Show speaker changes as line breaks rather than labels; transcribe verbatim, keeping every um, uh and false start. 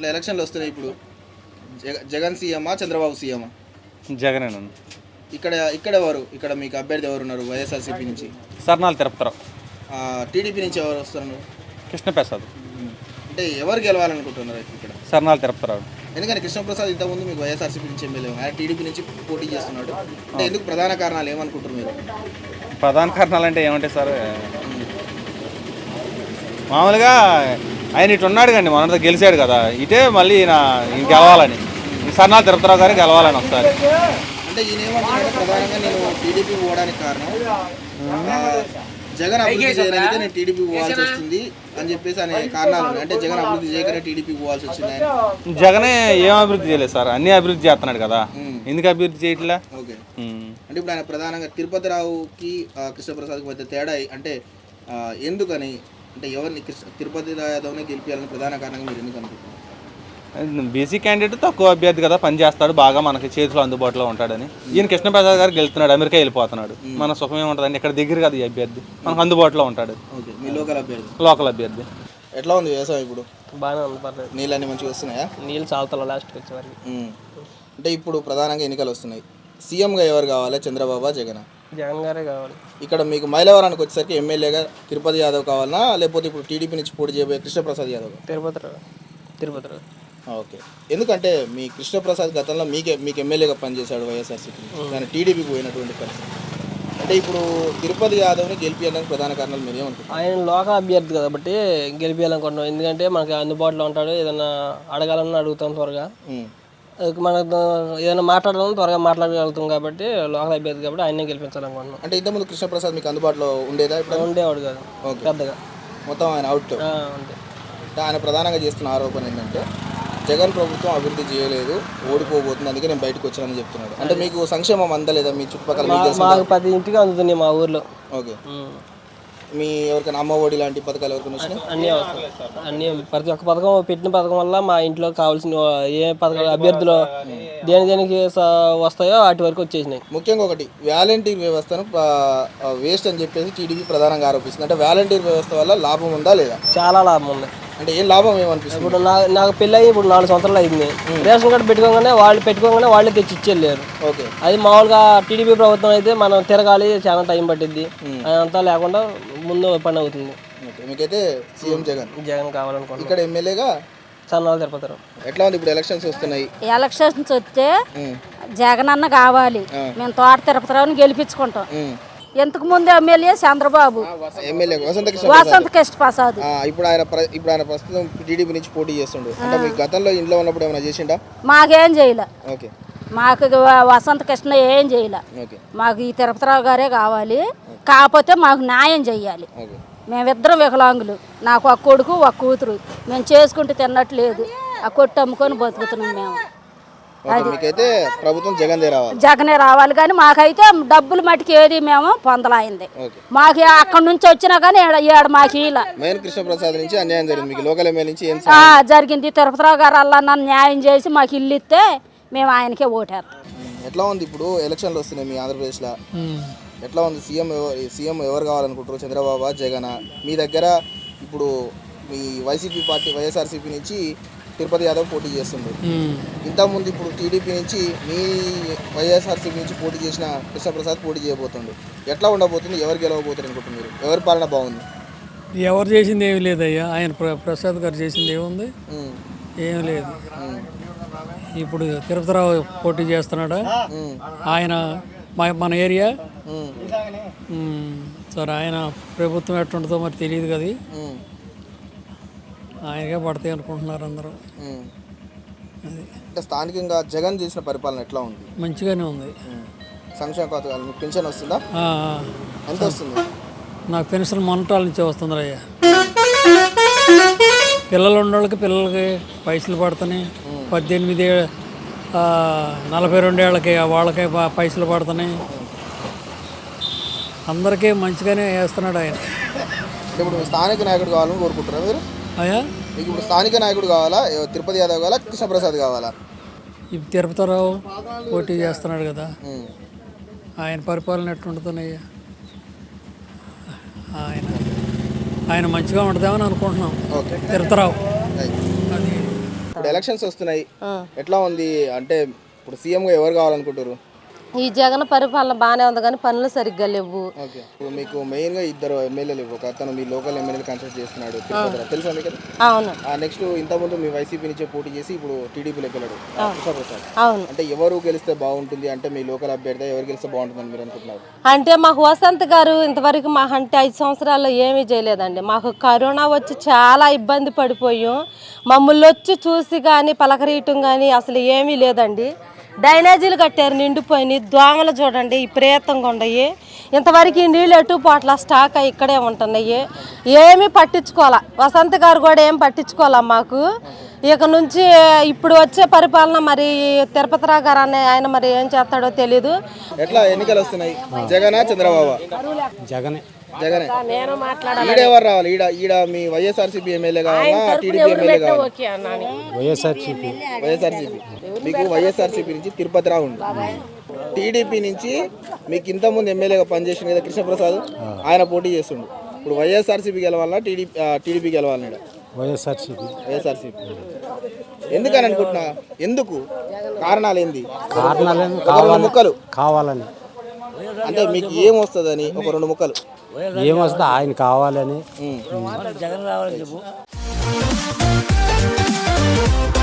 ఇట్లా ఎలక్షన్లు వస్తున్నాయి ఇప్పుడు. జగ జగన్ సీఎమా చంద్రబాబు సీఎమా?
జగన్
ఇక్కడ ఇక్కడ ఎవరు ఇక్కడ మీకు అభ్యర్థి ఎవరు ఉన్నారు వైఎస్ఆర్సీపీ నుంచి?
సర్నాలు తిరుపతిరావు.
టీడీపీ నుంచి ఎవరు వస్తున్నారు?
కృష్ణప్రసాద్.
అంటే ఎవరు గెలవాలనుకుంటున్నారు ఇక్కడ?
సర్నాలు తిరుపతిరావు.
ఎందుకంటే కృష్ణప్రసాద్ ఇంతకుముందు మీకు వైఎస్ఆర్సీపీ నుంచి ఎమ్మెల్యే, ఆయన టీడీపీ నుంచి పోటీ చేస్తున్నాడు. అంటే ఎందుకు ప్రధాన కారణాలు ఏమనుకుంటారు మీరు?
ప్రధాన కారణాలు అంటే ఏమంటాయి సార్, మామూలుగా ఆయన ఇటు ఉన్నాడు కండి, మన గెలిచాడు కదా, ఇటే మళ్ళీ ఈయన ఈయన గెలవాలని, సర్నాలు తిరుపతిరావు గారు గెలవాలని ఒకసారి.
అంటే ఈయన ఏమంటున్నాడు, ప్రధానంగా నేను టీడీపీ పోవడానికి కారణం జగన్ అభివృద్ధి చేయడానికి నేను టీడీపీ పోవాల్సి వస్తుంది అని చెప్పేసి అనే కారణాలు ఉన్నాయి. అంటే జగన్ అభివృద్ధి చేయకనే టీడీపీ పోవాల్సి వచ్చింది.
జగనే ఏం అభివృద్ధి చేయలేదు సార్, అన్ని అభివృద్ధి చేస్తున్నాడు కదా, ఎందుకు అభివృద్ధి చేయట్లా?
ఓకే. అంటే ఇప్పుడు ఆయన ప్రధానంగా తిరుపతిరావుకి కృష్ణప్రసాద్కి మధ్య తేడా అంటే ఎందుకని, అంటే ఎవరిని కృష్ణ తిరుపతి యాదవ్ని గెలిపించాలని ప్రధాన కారణంగా మీరు ఎందుకు అనుకుంటున్నారు?
బీసీ క్యాండిడేట్ తక్కువ అభ్యర్థి కదా, పని చేస్తాడు బాగా, మనకి చేతిలో అందుబాటులో ఉంటాడని. ఈయన కృష్ణప్రసాద్ గారు గెలుస్తున్నాడు, అమెరికా వెళ్ళిపోతున్నాడు, మన సుఖం ఏముంటుందండి, ఇక్కడ దగ్గర కదా ఈ అభ్యర్థి, మనకు అందుబాటులో ఉంటాడు.
మీ లోకల్ అభ్యర్థి?
లోకల్ అభ్యర్థి.
ఎట్లా ఉంది వ్యవసాయం ఇప్పుడు?
బాగానే ఉంది, పర్లేదు.
నీళ్ళు అన్ని మంచిగా వస్తున్నాయా?
నీళ్ళు చాలుతా లాస్ట్కి వచ్చేవారికి.
అంటే ఇప్పుడు ప్రధానంగా ఎన్నికలు వస్తున్నాయి, సీఎంగా ఎవరు కావాలి, చంద్రబాబు జగన్?
జగన్ గారే కావాలి.
ఇక్కడ మీకు మైలవరానికి వచ్చేసరికి ఎమ్మెల్యేగా తిరుపతి యాదవ్ కావాలన్నా, లేకపోతే ఇప్పుడు టీడీపీ నుంచి పోటీ చేయబోయే కృష్ణప్రసాద్ యాదవ్?
తిరుపతి తిరుపతి
ఓకే. ఎందుకంటే మీ కృష్ణప్రసాద్ గతంలో మీకే మీకు ఎమ్మెల్యేగా పనిచేశాడు వైఎస్ఆర్సీపీ, దాని టీడీపీకి పోయినటువంటి పరిస్థితి. అంటే ఇప్పుడు తిరుపతి యాదవ్ని గెలిపించడానికి ప్రధాన కారణాలు మీరు ఏమనుకుంటారు?
ఆయన లోకల్ అభ్యర్థి కాబట్టి గెలిపించాలనుకుంటున్నాం, ఎందుకంటే మనకి అందుబాటులో ఉంటాడు, ఏదైనా అడగాలన్నా అడుగుతాం త్వరగా, మనకు ఏదైనా మాట్లాడాలని త్వరగా మాట్లాడగలుగుతాం కాబట్టి లోకల్ అభ్యర్థి కాబట్టి ఆయనే గెలిపించాలనుకుంటున్నాం.
అంటే ఇంతకుముందు కృష్ణప్రసాద్ మీకు అందుబాటులో ఉండేదా? ఇప్పుడు
ఉండేవాడు కాదు పెద్దగా,
మొత్తం ఆయన అవుట్.
అంతే.
ఆయన ప్రధానంగా చేస్తున్న ఆరోపణ ఏంటంటే జగన్ ప్రభుత్వం అభివృద్ధి చేయలేదు, ఓడిపోబోతుంది, అందుకే నేను బయటకు వచ్చానని చెప్తున్నాడు. అంటే మీకు సంక్షేమం అందలేదా మీ చుట్టుపక్కల?
మాకు పది ఇంటికి అందుతుంది మా ఊర్లో.
ఓకే. మీ ఎవరికైనా అమ్మ ఒడి లాంటి పథకాలు ఎవరికైనా వచ్చినాయి?
అన్నీ వస్తాయి, అన్నీ ప్రతి ఒక్క పథకం పెట్టిన పథకం వల్ల మా ఇంట్లో కావాల్సిన ఏ పథకాలు అభ్యర్థులు దేని దేనికి వస్తాయో వాటి వరకు వచ్చేసినాయి.
ముఖ్యంగా ఒకటి వాలంటీర్ వ్యవస్థను వేస్ట్ అని చెప్పేసి టీడీపీ ప్రధానంగా ఆరోపిస్తుంది. అంటే వాలంటీర్ వ్యవస్థ వల్ల లాభం ఉందా లేదా?
చాలా లాభం ఉంది.
అంటే ఏం లాభం ఏమనిపిస్తుంది?
ఇప్పుడు నా నాకు పెళ్ళి అయ్యి ఇప్పుడు నాలుగు సంవత్సరాలు అయింది, రేషన్ కార్డు పెట్టుకోగానే వాళ్ళు పెట్టుకోగానే వాళ్ళే తెచ్చి ఇచ్చేళ్ళారు.
ఓకే.
అది మామూలుగా టీడీపీ ప్రభుత్వం అయితే మనం తిరగాలి, చాలా టైం పట్టిద్ది, అదంతా లేకుండా ముందు పని అవుతుంది.
మీకైతే సీఎం జగన్
జగన్ కావాలనుకుంటున్నాను.
ఇక్కడ ఎమ్మెల్యేగా
సన్నాలు తిరుపతిరావు.
ఎట్లా ఉంది ఇప్పుడు ఎలక్షన్స్ వస్తున్నాయి?
ఎలక్షన్స్ వస్తే జగన్ అన్న కావాలి, మేము తోట తిరుపతిరావుని గెలిపించుకుంటాం. ఎంతకు ముందు ఎమ్మెల్యే చంద్రబాబు,
ఎమ్మెల్యే వసంత
వసంత కృష్ణ ప్రసాద్.
ఇప్పుడు ఆయన ఇప్పుడు ఆయన ప్రస్తుతం టీడీపీ నుంచి పోటీ చేస్తుండు. అంటే మీ గతంలో ఇంట్లో ఉన్నప్పుడు ఏమైనా చేసిండా?
మాకేం చేయలే.
ఓకే.
మాకు వసంత కృష్ణ ఏం చేయలే. మాకు ఈ తిరుపతిరావు గారే కావాలి, కాకపోతే మాకు న్యాయం చెయ్యాలి. మేమిద్దరం వికలాంగులు, నాకు ఒక కొడుకు ఒక కూతురు, మేము చేసుకుంటూ తిన్నట్లేదు, ఆ కొట్టు అమ్ముకొని బతుకుతున్నాం మేము.
మీకైతే ప్రభుత్వం జగన్ రావాలి,
జగనే రావాలి. కానీ మాకైతే డబ్బులు మటుకు ఏది మేము పొందలాయింది, మాకు అక్కడ నుంచి వచ్చినా కానీ ఏడ మాకు ఇలా
కృష్ణప్రసాద్ నుంచి అన్యాయం జరిగింది. మీకు లోకల్ ఎమ్మెల్యే నుంచి ఏం
జరిగింది? తిరుపతిరావు గారు అలా నన్ను న్యాయం చేసి మాకు ఇల్లు ఇస్తే మేము ఆయనకే ఓటారు.
ఎట్లా ఉంది ఇప్పుడు ఎలక్షన్లు వస్తున్నాయి మీ ఆంధ్రప్రదేశ్లో, ఎట్లా ఉంది? సీఎం సీఎం ఎవరు కావాలనుకుంటారు, చంద్రబాబు జగన్? మీ దగ్గర ఇప్పుడు మీ వైసీపీ పార్టీ వైఎస్ఆర్సీపీ నుంచి తిరుపతి యాదవ్ పోటీ చేస్తుండ్రు. ఇంతకుముందు ఇప్పుడు టీడీపీ నుంచి మీ వైఎస్ఆర్సీపీ నుంచి పోటీ చేసిన కృష్ణప్రసాద్ పోటీ చేయబోతుండ్రు. ఎట్లా ఉండబోతుంది, ఎవరు గెలవబోతారు అనుకుంటున్నారు? ఎవరి పాలన బాగుంది?
ఎవరు చేసింది ఏమి లేదయ్యా, ఆయన ప్రసాద్ గారు చేసింది ఏముంది, ఏమి లేదు. ఇప్పుడు తిరుపతిరావు పోటీ చేస్తున్నాడా, ఆయన మన ఏరియా సరే, ఆయన ప్రభుత్వం ఎట్టుంటుందో మరి తెలియదు కదా, ఆయనకే పడతాయి అనుకుంటున్నారు అందరూ.
అంటే స్థానికంగా జగన్ చేసిన పరిపాలన ఎట్లా ఉంది?
మంచిగానే ఉంది.
సంక్షేమ పథకాలు పెన్షన్ వస్తుందా? ఎంత వస్తుంది?
నాకు పెన్షన్ మొన్నటాల నుంచే వస్తుంది అయ్యా. పిల్లలు ఉన్నోళ్ళకి పిల్లలకి పైసలు పడుతున్నాయి, పద్దెనిమిది నలభై రెండేళ్ళకి వాళ్ళకి పైసలు పడుతున్నాయి, అందరికీ మంచిగానే వేస్తున్నాడు ఆయన.
ఇప్పుడు స్థానిక నాయకుడు కావాలని కోరుకుంటున్నారా మీరు?
అయ్యా
మీకు ఇప్పుడు స్థానిక నాయకుడు కావాలా, తిరుపతి యాదవ్ కావాలా, కృష్ణప్రసాద్ కావాలా?
ఇప్పుడు తిరుపతిరావు పోటీ చేస్తున్నాడు కదా, ఆయన పరిపాలన ఎట్లుంటుందయ్యా, ఆయన ఆయన మంచిగా ఉంటుందేమని అనుకుంటున్నాం. తిరుపతిరావు అది
ఇప్పుడు ఎలక్షన్స్ వస్తున్నాయి, ఎట్లా ఉంది అంటే ఇప్పుడు సీఎంగా ఎవరు కావాలనుకుంటారు?
ఈ జగన్ పరిపాలన బాగానే ఉంది కానీ పనులు సరిగ్గా లేవు.
ఓకే, ఇప్పుడు మీకు మెయిన్గా ఇద్దరు ఎమ్మెల్యేలు, ఒక అతను మీ లోకల్ ఎమ్మెల్యేలు కన్సల్ట్ చేస్తున్నాడు తిరుపతిలో, తెలుసా మీకు?
అవును.
నెక్స్ట్ ఇంతకుముందు మీ వైసీపీ నుంచే పోటీ చేసి ఇప్పుడు టీడీపీలోకి వెళ్ళాడు కృష్ణప్రసాద్.
అవును.
అంటే ఎవరు గెలిస్తే బాగుంటుంది అంటే మీ లోకల్ అభ్యర్థి ఎవరు గెలిస్తే బాగుంటుందని మీరు అనుకుంటున్నారు?
అంటే మాకు వసంత్ గారు ఇంతవరకు మా అంటే ఐదు సంవత్సరాల్లో ఏమీ చేయలేదండి. మాకు కరోనా వచ్చి చాలా ఇబ్బంది పడిపోయాం. మమ్మల్ని వచ్చి చూసి కానీ పలకరీయటం కానీ అసలు ఏమీ లేదండి. డ్రైనేజీలు కట్టారు నిండిపోయినాయి, దోమలు చూడండి విపరీతంగా ఉన్నాయి. ఇంతవరకు ఈ నీళ్ళు ఎటు పోట్ల స్టాక్ అయి ఇక్కడే ఉంటున్నాయి. ఏమీ పట్టించుకోవాలా, వసంత్ గారు కూడా ఏం పట్టించుకోవాలా మాకు. ఇక నుంచి ఇప్పుడు వచ్చే పరిపాలన మరి తిరుపతి రావు గారు అనే ఆయన మరి ఏం చేస్తాడో తెలీదు.
ఎట్లా ఎన్నికలు వస్తున్నాయి, జగనా చంద్రబాబు?
జగనే
జగనే. ఈడ ఎవరు రావాలి? ఈడ ఈడ మీ వైఎస్ఆర్సీపీ ఎమ్మెల్యే కావాలా, టీడీపీ ఎమ్మెల్యే కావాలా?
వైఎస్ఆర్సీపీ
వైఎస్ఆర్సీపీ. మీకు వైఎస్ఆర్సీపీ నుంచి తిరుపతి రావు ఉంది, టీడీపీ నుంచి మీకు ఇంతకుముందు ఎమ్మెల్యేగా పనిచేసింది కదా కృష్ణప్రసాద్, ఆయన పోటీ చేస్తుండు. ఇప్పుడు వైఎస్ఆర్సీపీ గెలవాలన్నా టీడీపీ టీడీపీ గెలవాలన్నాడు?
YSRCP
YSRCP. ఎందుకని అనుకుంటున్నా, ఎందుకు కారణాలు ఏంది?
కారణాలు
ఒక రెండు ముక్కలు
కావాలని,
అంటే మీకు ఏం వస్తుందని ఒక రెండు ముక్కలు.
ఏమొస్తుందో ఆయన కావాలని.
ఉమ్.
జగన్ రావాలని చెప్పు.